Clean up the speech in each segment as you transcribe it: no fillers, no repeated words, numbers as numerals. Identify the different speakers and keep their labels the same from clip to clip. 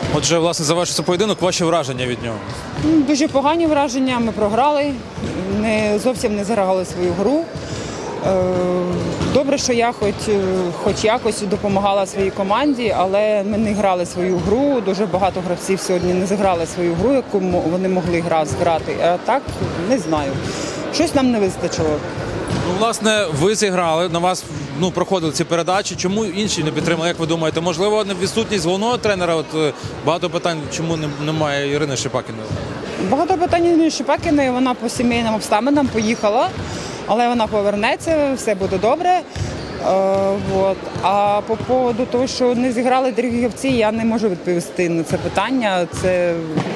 Speaker 1: Отже, власне, завершився поєдинок. Ваші враження від нього?
Speaker 2: Дуже погані враження, ми програли, зовсім не заграли свою гру. Добре, що я хоч якось допомагала своїй команді, але ми не грали свою гру. Дуже багато гравців сьогодні не зіграли свою гру, яку вони могли зіграти. А так, не знаю. Щось нам не вистачило.
Speaker 1: Ну, власне, ви зіграли, на вас проходили ці передачі. Чому інші не підтримали, як ви думаєте? Можливо, відсутність головного тренера? Багато питань, чому немає Ірини Шипакіної?
Speaker 2: Багато питань Ірини Шипакіної, вона по сімейним обставинам поїхала, але вона повернеться, все буде добре. А по поводу того, що не зіграли другі гравці, я не можу відповісти на це питання. Це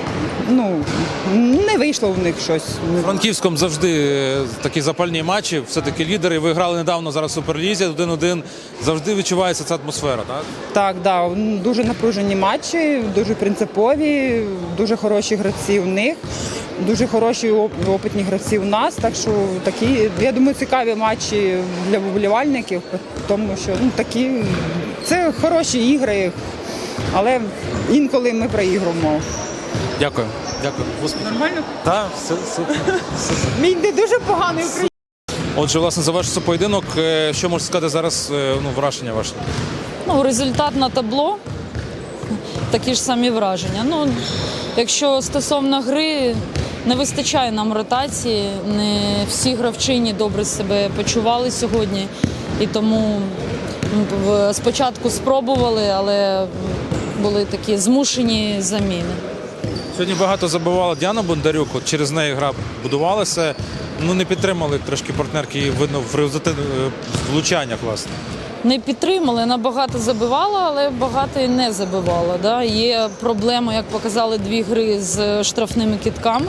Speaker 2: не вийшло в них щось.
Speaker 1: У Франківському завжди такі запальні матчі, все-таки лідери. Ви грали недавно зараз в Суперлізі, 1-1. Завжди відчувається ця атмосфера, так?
Speaker 2: Так, да. Дуже напружені матчі, дуже принципові, дуже хороші гравці у них, дуже хороші опитні гравці у нас. Так що такі, я думаю, цікаві матчі для вболівальників, тому що це хороші ігри, але інколи ми проігруємо.
Speaker 1: Дякую. Дякую. Успіхів.
Speaker 2: Нормально?
Speaker 1: Так, все супер.
Speaker 2: Мій не дуже поганий український.
Speaker 1: Отже, власне, завершився поєдинок. Що можете сказати зараз, враження ваше?
Speaker 3: Результат на табло, такі ж самі враження. Якщо стосовно гри, не вистачає нам ротації, не всі гравчині добре себе почували сьогодні. І тому спочатку спробували, але були такі змушені заміни.
Speaker 1: Сьогодні багато забивала Діана Бондарюк, через неї гра будувалася. Не підтримали трошки партнерки, і видно в результаті влучаннях, власне.
Speaker 3: Не підтримали, набагато забивала, але багато і не забивала. Да? Є проблема, як показали, 2 гри з штрафними кидками.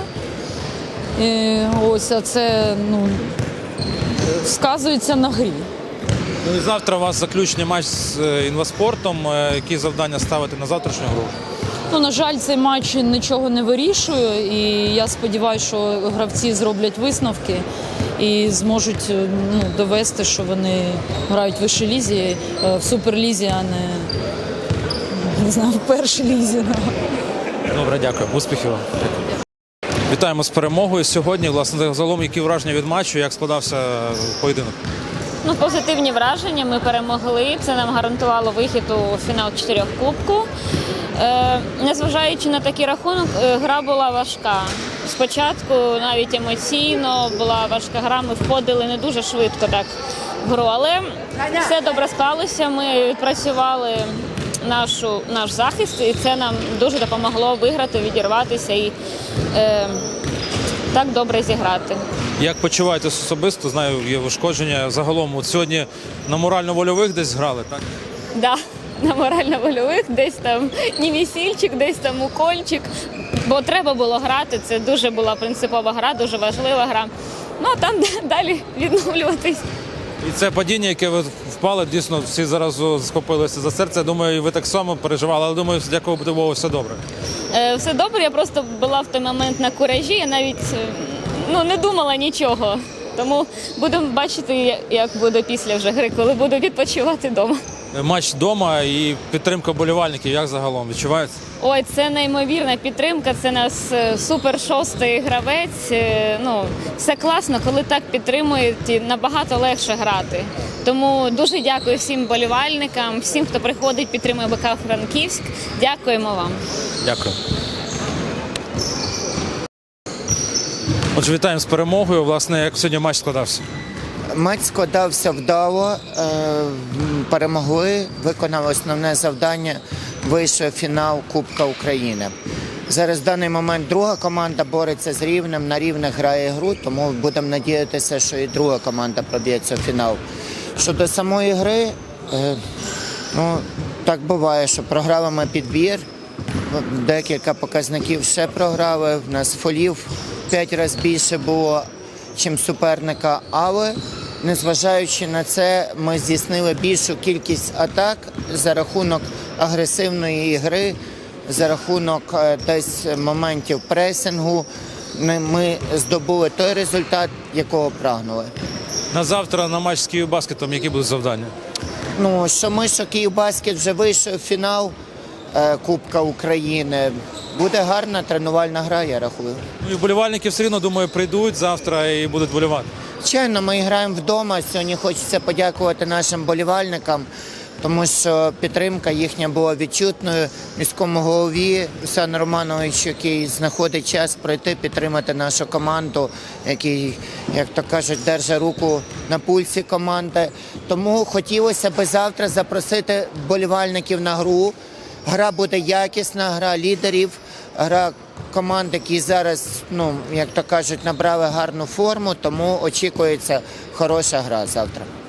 Speaker 3: А це сказується на грі.
Speaker 1: І завтра у вас заключний матч з Інваспортом. Які завдання ставити на завтрашню гру?
Speaker 3: На жаль, цей матч нічого не вирішує, і я сподіваюся, що гравці зроблять висновки і зможуть довести, що вони грають в вищій лізі, в суперлізі, а не знаю, в першій лізі.
Speaker 1: Добре, дякую. Успіхів вам. Вітаємо з перемогою сьогодні. Власне, загалом, які враження від матчу, як складався поєдинок?
Speaker 4: Позитивні враження. Ми перемогли. Це нам гарантувало вихід у фінал 4 кубку. Незважаючи на такий рахунок, гра була важка. Спочатку навіть емоційно була важка гра, ми входили не дуже швидко так в гру, але все добре склалося, ми відпрацювали наш захист, і це нам дуже допомогло виграти, відірватися і так добре зіграти.
Speaker 1: Як почуваєтесь особисто? Знаю, є ушкодження. Загалом, сьогодні на морально-вольових десь грали, так?
Speaker 4: Так, на морально-вольових, десь там німісільчик, десь там укольчик, бо треба було грати, це дуже була принципова гра, дуже важлива гра. А там далі відновлюватись.
Speaker 1: І це падіння, яке ви впали, дійсно всі зараз схопилися за серце. Я думаю, і ви так само переживали, але думаю, дякувати Богу, все добре.
Speaker 4: Все добре, я просто була в той момент на куражі, я навіть не думала нічого. Тому будемо бачити, як буде після вже гри, коли буду відпочивати вдома.
Speaker 1: Матч вдома і підтримка вболівальників, як загалом відчувається?
Speaker 4: Ой, це неймовірна підтримка, це нас супер шостий гравець. Все класно, коли так підтримують, набагато легше грати. Тому дуже дякую всім вболівальникам, всім, хто приходить, підтримує БК Франківськ. Дякуємо вам.
Speaker 1: Дякую. Отже, вітаємо з перемогою. Власне, як сьогодні матч складався?
Speaker 5: Матч складався вдало, перемогли, виконали основне завдання, вийшов фінал Кубка України. Зараз в даний момент друга команда бореться з Рівнем, на рівних грає гру, тому будемо надіятися, що і друга команда проб'ється в фінал. Щодо самої гри, так буває, що програли ми підбір, декілька показників ще програли, в нас фолів 5 разів більше було, ніж суперника, але незважаючи на це, ми здійснили більшу кількість атак за рахунок агресивної гри, за рахунок десь моментів пресингу. Ми здобули той результат, якого прагнули.
Speaker 1: На завтра на матч з Київбаскетом які будуть завдання?
Speaker 5: Що ми, що Київбаскет вже вийшов в фінал, Кубка України. Буде гарна тренувальна гра, я рахую.
Speaker 1: Ну і вболівальники все одно, думаю, прийдуть завтра і будуть вболівати.
Speaker 5: Звичайно, ми граємо вдома. Сьогодні хочеться подякувати нашим болівальникам, тому що підтримка їхня була відчутною. Міському голові Руслану Романовичу, який знаходить час пройти, підтримати нашу команду, який, як то кажуть, держить руку на пульсі команди. Тому хотілося б завтра запросити болівальників на гру. Гра буде якісна, гра лідерів, гра команд, які зараз, як то кажуть, набрали гарну форму, тому очікується хороша гра завтра.